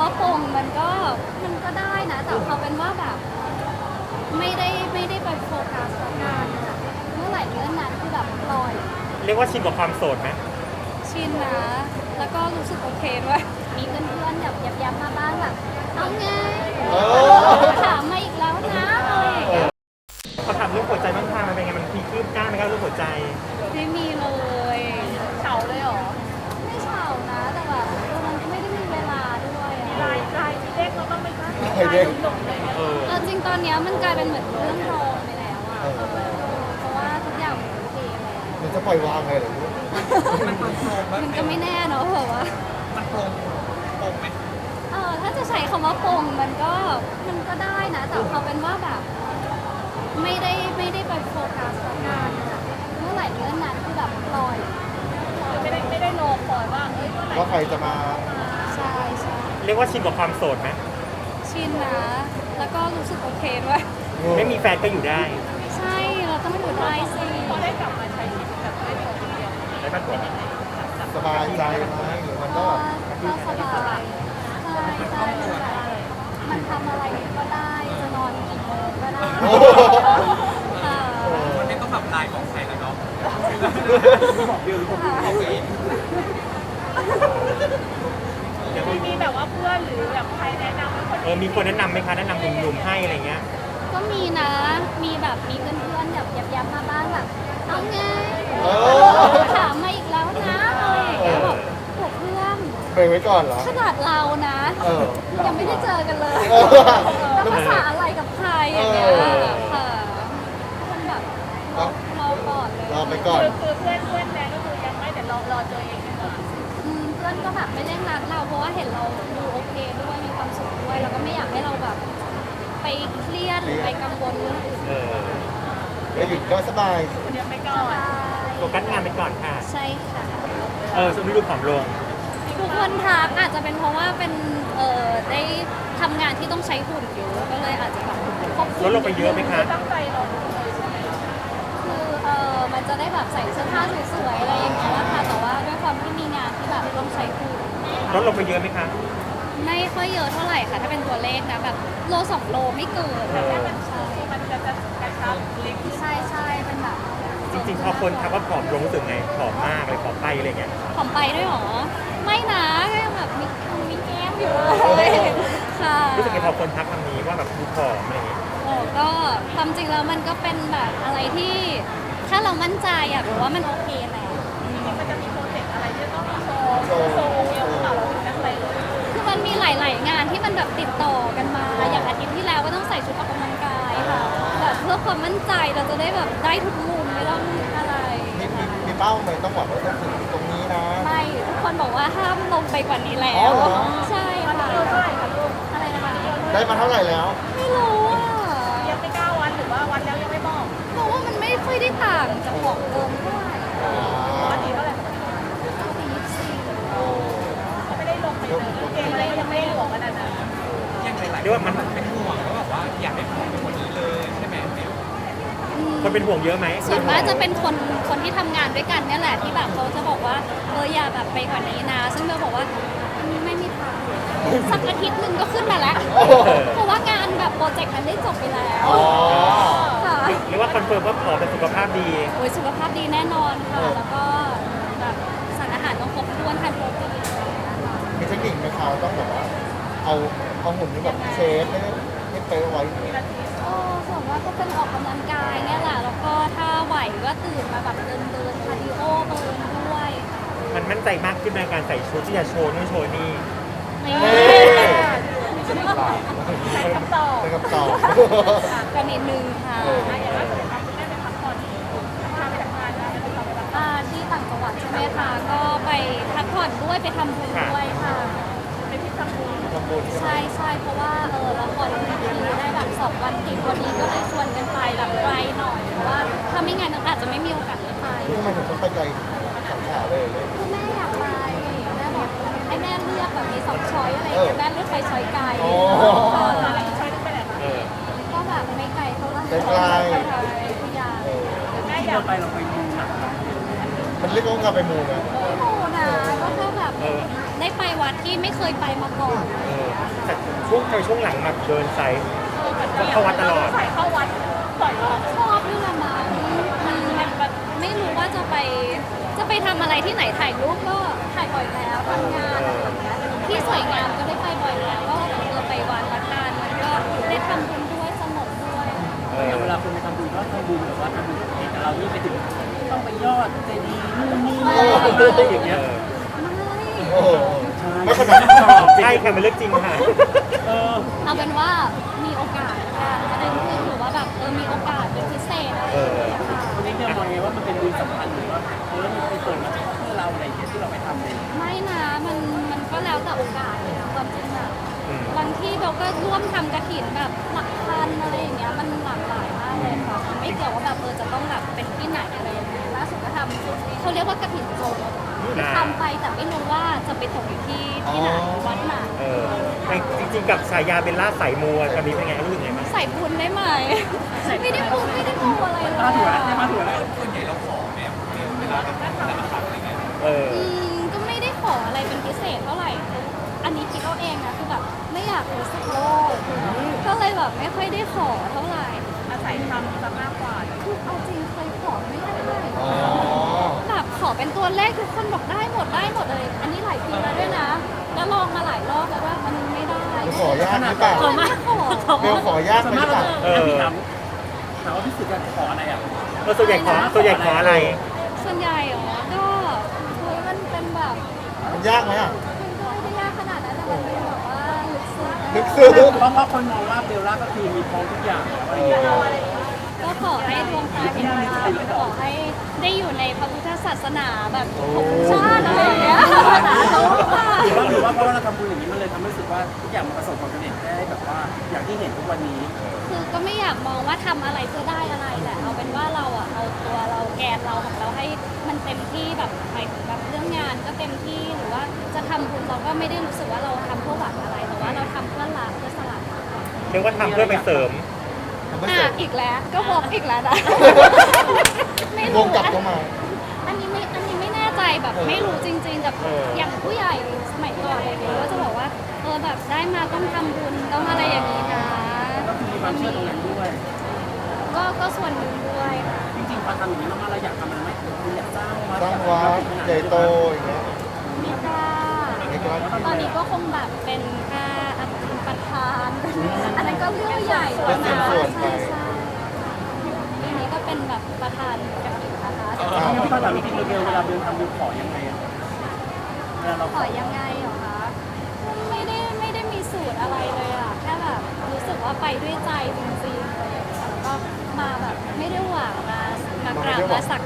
ว่าปงมันก็ได้นะแต่เขาเป็นว่าแบบไม่ได้ไปโฟกัสกับงานอะเมื่อไหร่เรื่องนั้นคือแบบปล่อยเรียกว่าชินกับความโสดไหมชินนะแล้วก็รู้สึกโอเคด้วยมีเพื่อนๆแบบย้ำๆมาบ้างแบบเอาไงถามมาอีกแล้วนะอะไรอย่างเงี้ยเขาถามเรื่องหัวใจบ้างค่ะมันเป็นไงมันมีคืบหน้าไหมครับเรื่องหัวใจไม่มีเลยเฉาเลยเหรอไม่เฉานะแต่แบบมันไม่ได้มีเวลาด้วยอะลายที่เด็กเราต้องไปตั้งใครเด็กหนุ่มเลยเนี่ยเออจริงตอนเนี้ยมันกลายเป็นเหมือนเรื่องรองไปแล้วอะเพราะว่าทุกอย่างมันโอเคแล้วมันจะปล่อยวางเลยเหรอลูกมันก็ไม่แน่เนาะเพราะว่ามันโปร่งไหมถ้าจะใช้คำว่าปงมันก็ได้นะแต่เขาเป็นว่าแบบไม่ได้ไปโฟกัสกับงานอะเมื่อไหร่เรื่องนั้นคือแบบปล่อยไม่ได้รอคอยว่าเอ้ยเมื่อไหร่ว่าใครจะมาใช่ใช่เรียกว่าชินกับความโสดไหมชินนะแล้วก็รู้สึกโอเคด้วยไม่มีแฟนก็อยู่ได้ใช่เราต้องอยู่ได้สิพอได้กลับมาใช้ชีวิตแบบไม่ได้คนเดียวได้ปะตัวสบายใจไหมหรือมันก็ก็สบายใช่ใช่มันทำอะไรก็ได้จะนอนกี่โมงก็ได้ค่ะมันไม่ต้องแบบลายของใครแล้วเนาะ มีแบบว่าเพื่อนหรือแบบใครแนะนำให้คนมีคนแนะนำไหมคะแนะนำหนุ่มๆให้อะไรเงี้ยก็มีนะมีแบบมีเพื่อนๆแบบย้ำๆมาบ้างแบบเอาไงถามมาอีกแล้วนะอะไรอย่างเงี้ยแบบโหเพื่อนเบรกไว้ก่อนเหรอขนาดเรานะ ยังไม่ได้เจอกันเลยเออแล้วภาษาอะไรกับใครอย่างเงี้ยค่ะมันแบบรอก่อนเลยรอไปก่อนคือเพื่อนแนนก็คือยังไม่แต่รอเจอเองดีกว่าเพื่อนก็แบบไม่เร่งรัดเราเพราะว่าเห็นเราดูโอเคด้วยมีความสุขด้วยแล้วก็ไม่อยากให้เราแบบ ไปเครียดหรือไปกังวลเรื่องอื่นเออแล้วหยุดก็สบายคนเดียวไปก่อนโฟกัสงานไปก่อนค่ะใช่ค่ะช่วงนี้ดูผอมลงทุกคนทักอาจจะเป็นเพราะว่าเป็นได้ทำงานที่ต้องใช้หุ่นเยอะก็เลยอาจจะแบบควบคุลดลงไปเยอะไหมคะตั้งใจรอดูเลยใช่ไหมคือมันจะได้แบบใส่เสื้อผ้าสวยๆอะไรอย่างเงี้ยค่ะแต่ว่าด้วยความที่มีงานที่แบบต้องใช้หุ่นลดลงไปเยอะไหมคะไม่ค่อยเยอะเท่าไหร่ค่ะ ถ้าเป็นตัวเลขนะแบบโล2 โลไม่เกินใช่มันจะกระชับลิฟต์ใช่ใช่เป็นแบบจริงๆพอคนทักว่าผอมลงรู้สึกไงผอมมากเลยผอมไปอะไรเงี้ยผอมไปด้วยเหรอไม่นะก็ยังแบบมีแก้มอยู่เลยค่ะรู้สึกไงพอคนทักคำนี้ว่าแบบดูผอมอะไรเงี้ยโอ้ก็ความจริงแล้วมันก็เป็นแบบอะไรที่ ถ้าเรามั่นใจอะหรือว่ามันโอเคแหละมันจะมีโปรเจกต์อะไรที่ต้องโชว์เดียวกับเราถึงนักเลยคือมันมีหลาย ๆ งานที่มันแบบติดต่อกันมา อย่างอาทิตย์ที่แล้วก็ต้องใส่ชุดออกกำลังกายค่ะแบบเพื่อความมั่นใจเราจะได้แบบได้ทุกมุมไม่ต้องอะไรมีเป้าไหมต้องบอกว่าต้องถึงตรงนี้นะไม่ทุกคนบอกว่าห้ามลงไปกว่านี้แล้อ๋อวเหรอใช่ค่ะเท่าไหร่คะลูกอะไรนะคะได้มาเท่าไหร่แล้วไม่รู้อะยังไม่9 วันหรือว่าวันแล้วยังไม่บอกเพราะว่ามันไม่ค่อยได้ต่างจากของเดิมเท่าไหร่วันนี้เท่าไหร่ 44 ไม่ได้ลงไปเลยเกมอะไรยังไม่ได้หลวมขนาดนั้นยังหลายเรียกว่ามันเป็นห่วงแล้วแบบว่าอยากให้ผอมเป็นคนนี้เลยใช่ไหมคนเป็นห่วงเยอะไหมส่วนมากจะเป็นคนที่ทำงานด้วยกันเนี่ยแหละที่แบบเขาจะบอกว่าอย่าแบบไปกว่านี้นะ ซึ่งเบลบอกว่าไม่มีทางสักอาทิตย์หนึ่งก็ขึ้นมาแล้ว เพราะว่างานแบบโปรเจกต์มันได้จบไปแล้วอ๋อค่ะหรือว่าคอนเฟิร์มว่าผอมแต่สุขภาพดีโอ้ยสุขภาพดีแน่นอนค่ะ แล้วก็แบบสารอาหารต้องครบถ้วนทานโปรตีนอะไรอย่างเงี้ยค่ะมีเทคนิคไหมคะต้องแบบว่าเอาหุ่นที่แบบเชฟให้เป๊ะไว้ส่วนมากก็เป็นออกกำลังกายเนี่ยแหละ แล้วก็ถ้าไหวก็ตื่นมาแบบเดินคาร์ดิโอเบิร์นด้วยมันมั่นใจมากขึ้นในการใส่ชุดที่จะโชว์นู่นโชว์นี่นี่ใช้คำตอบเป็นคำตอบก็นิดนึงค่ะอย่างล่าสุดครับคุณแม่ไปพักผ่อนพาไปทำงานนะไปทำไปพักผ่อนที่ต่างจังหวัดใช่ไหมคะก็ไปพักผ่อนด้วยไปทำบุญด้วยค่ะไปที่ทำบุญทำบุญใช่ไหมใช่เพราะว่าละครเวทีได้แบบ2 วันติดวันนี้ก็เลยชวนกันไปแบบไกลหน่อยเพราะว่าถ้าไม่งั้นอาจจะไม่มีโอกาสได้ไปทำไมถึงต้องไปไกลสังขาเลยคือแม่อยากไปแม่บอกให้แม่เลือกแบบมี2 ช้อยอะไรอย่างเงี้ยแม่เลือกไปช้อยไกลอ๋ออะไรช่วยไปไหนคะเออก็แบบไม่ไกลเท่าไหร่ไกลๆไปทางทุกอย่างแม่อยากไปเราไปดูฉากมันเรียกว่าการไปมูไงไม่โหนะก็แค่แบบได้ไปวัดที่ไม่เคยไปมาก่อนเออแต่ช่วงหลังมาเดินไซส์เข้าวัดตลอดใส่เข้าวัดต่อยรอบชอบด้วยละมั้งมันแบบไม่รู้ว่าจะไปทำอะไรที่ไหนถ่ายรูปก็ถ่ายบ่อยแล้วทำงานอะไรอย่างเงี้ยที่สวยงามก็ได้ไปบ่อยแล้วก็ไปวัดละกันมันก็ได้ทำบุญด้วยสงบด้วยอย่างเวลาคนไปทำบุญก็ทำบุญแบบว่าทำบุญกับแต่เรานี่ไปถึงต้องไปยอดเจดีย์นู่นนี่อะไรอย่างเงี้ยโอ้โหใช่ไม่ขนาดนั้นใช่ค่ะมันเรื่องจริงค่ะเออเอาเป็นว่ามีโอกาสค่ะจะได้คือหรือว่าแบบมีโอกาสเป็นพิเศษอะไรอย่างเงี้ยค่ะวันนี้เนี่ยมองไงว่ามันเป็นบุญสำคัญหรือว่ามันไปเปิดมาเพื่อเราอะไรอย่างเงี้ยที่เราไปทำเองไม่นะมันก็แล้วแต่โอกาสเลยนะความจริงอะอืมบางที่เบลก็ร่วมทำกระถินแบบหลักพันอะไรอย่างเงี้ยมันหลากหลายมากเลยค่ะมันไม่เกี่ยวว่าแบบจะต้องแบบเป็นที่ไหนอะไรยังไงล่าสุดก็ทำเขาเรียกว่ากระถินโจรทำไปแต่ไม่รู้ว่าจะไปตกอยู่ที่ไหนวัดไหนแต่จริงๆกับฉายาเบลล่าสายมัวตอนนี้เป็นไงรู้สึกไงบ้างใส่บุญได้ไหมไม่ได้บุญไม่ได้มูอะไรเลยมาถั่วได้มาถั่วแล้วเออก็ไม่ได้ขออะไรเป็นพิเศษเท่าไหร่ อันนี้คิดเอาเองนะคือแบบไม่อยากรู้สึกโลภก็เลยแบบไม่ค่อยได้ขอเท่าไหร่อาศัยทำซะมากกว่าคือเอาจริงเคยขอไม่ได้อ๋อแบบขอเป็นตัวเลขทุกคนบอกได้หมดเลย อันนี้หลายปีแล้วด้วยนะ แล้วลองมาหลายรอบแล้วว่ามันไม่ได้ขอยากหรือเปล่าขอมาขอเบลขอยากสไหมมมติล่ะว่าพี่ถามว่าพี่สึกจะขออะไรอ่ะส่วนใหญ่ขออะไรส่วนใหญ่เหรอก็เฮ้ยมันเป็นแบบมันยากไหมอ่ะมันก็ไม่ได้ยากขนาดนั้นแต่มันเป็นแบบว่าลึกซึ้งลึกซึ้งเพราะคนมองว่าเบลล่าก็คือมีพร้อมทุกอย่างอะไรอย่างเงี้ยก็ขอให้ดวงตาเห็นธรรมขอให้ได้อยู่ในพระพุทธศาสนาแบบทุกชาติอะไรอย่างเงี้ยสาธุค่ะหรือว่าเพราะว่าเราทำบุญอย่างนี้มันเลยทำให้รู้สึกว่าทุกอย่างมันประสบความสำเร็จได้แบบว่าอย่างที่เห็นทุกวันนี้คือก็ไม่อยากมองว่าทำอะไรเพื่อได้อะไรแหละเอาเป็นว่าเราอะเอาตัวเราแกนเราของเราให้มันเต็มที่แบบหมายถึงแบบเรื่องงานก็เต็มที่หรือว่าจะทำบุญเราก็ไม่ได้รู้สึกว่าเราทำเพื่อหวังอะไรแต่ว่าเราทำเพื่อละเพื่อสละเรียกว่าทำเพื่อไปเสริมมันไม่เสร็จอีกแล้วก็บอกอีกแล้วนะไม่วรู้งกลับเข้ามาอันนี้ไม่แน่ใจแบบไม่รู้จริงๆกับอย่างผู้ใหญ่สมัยก่อนอะไรอย่างเงี้ยก็จะบอกว่าแบบได้มาต้องทำบุญต้องอะไรอย่างนี้นะก็คือมีความเชื่อตรงนั้นด้วยก็ส่วนหนึ่งด้วยค่ะจริงๆพอทำอย่างนี้มากๆเราอยากทำมันไหมคุณอยากสร้างวัดสร้างวัดใหญ่โตอย่างเงี้ยไม่กล้าไม่กล้าตอนนี้ก็คงแบบเป็นแค่ประธานอันนั้นก็เรื่องใหญ่แล้วนะใช่ทีนี้ก็เป็นแบบประธานกระถิ่นนะคะพี่ก็ถามจริงๆเบลเวลาเบลทำเบลขอยังไงอ่ะเวลาเราขอยังไงเหรอคะไม่ได้มีสูตรอะไรเลยอะแค่แบบรู้สึกว่าไปด้วยใจจริงๆอะไรอย่างเงี้ยแล้วก็มาแบบไม่ได้หวังมากราบมาสัก